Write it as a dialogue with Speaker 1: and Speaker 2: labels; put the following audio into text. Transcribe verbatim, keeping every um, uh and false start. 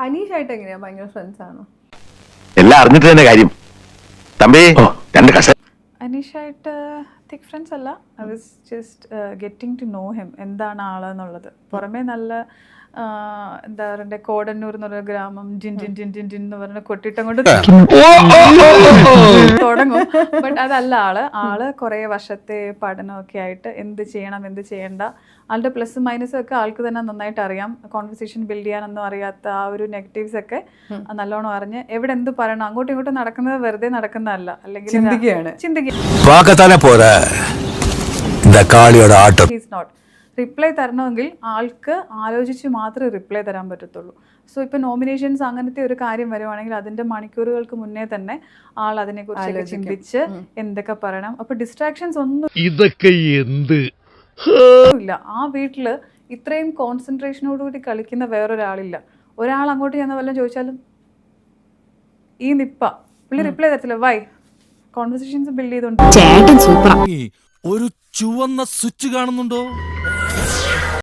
Speaker 1: അനീഷായിട്ട് എങ്ങനെയാ? ഭയങ്കര ഫ്രണ്ട്സ് ആണോ?
Speaker 2: എല്ലാം അറിഞ്ഞിട്ട് തന്നെ കാര്യം. തമ്പി രണ്ട് കസ
Speaker 3: അനീഷായിട്ട് തിക് ഫ്രണ്ട്സ് അല്ല. I was just getting to know him, എന്താണ് ആളെന്നുള്ളത്. പുറമേ നല്ല എന്താ പറയണ്ടേ, കോടന്നൂർ എന്ന് പറഞ്ഞ ഗ്രാമം ജിൻ ജിൻ ജിൻ ജിൻ ജിൻ എന്ന് പറഞ്ഞ കൊട്ടിട്ടം കൊണ്ട് തുടങ്ങും. ബട്ട് അതല്ല ആള്. ആള് കുറെ വർഷത്തെ പഠനമൊക്കെ ആയിട്ട് എന്ത് ചെയ്യണം എന്ത് ചെയ്യണ്ട, ആളുടെ പ്ലസും മൈനസും ഒക്കെ ആൾക്ക് തന്നെ നന്നായിട്ട് അറിയാം. കോൺവെർസേഷൻ ബിൽഡ് ചെയ്യാനൊന്നും അറിയാത്ത ആ ഒരു നെഗറ്റീവ്സ് ഒക്കെ നല്ലോണം അറിഞ്ഞ് എവിടെ എന്ത് പറയണം, അങ്ങോട്ടും ഇങ്ങോട്ടും നടക്കുന്നത് വെറുതെ നടക്കുന്നതല്ല, അല്ലെങ്കിൽ നോട്ട് റിപ്ലൈ തരണമെങ്കിൽ ആൾക്ക് ആലോചിച്ച് മാത്രമേ റിപ്ലൈ തരാൻ പറ്റത്തുള്ളൂ. സോ ഇപ്പൊ നോമിനേഷൻസ് അങ്ങനത്തെ ഒരു കാര്യം വരുവാണെങ്കിൽ അതിന്റെ മണിക്കൂറുകൾക്ക് മുന്നേ തന്നെ ആൾ അതിനെക്കുറിച്ച് ചിന്തിച്ച് എന്തൊക്കെ പറയണം. അപ്പൊ ഡിസ്ട്രാക്ഷൻസ് ഒന്നും
Speaker 4: ഇതൊക്കെ എന്ത്
Speaker 3: ഇല്ല. ആ വീട്ടില് ഇത്രയും കോൺസെൻട്രേഷനോടുകൂടി കളിക്കുന്ന വേറൊരാളില്ല. ഒരാൾ അങ്ങോട്ട് ചെന്ന വല്ലതും ചോദിച്ചാലും ഈ നിപ്പ പുള്ളി റിപ്ലൈ തരത്തില്ല. വൈ? കോൺവെർസേഷൻസ് ബിൽഡ് ചെയ്തോണ്ട്
Speaker 4: ഒരു ചുവന്ന സ്വിച്ച് കാണുന്നുണ്ടോ?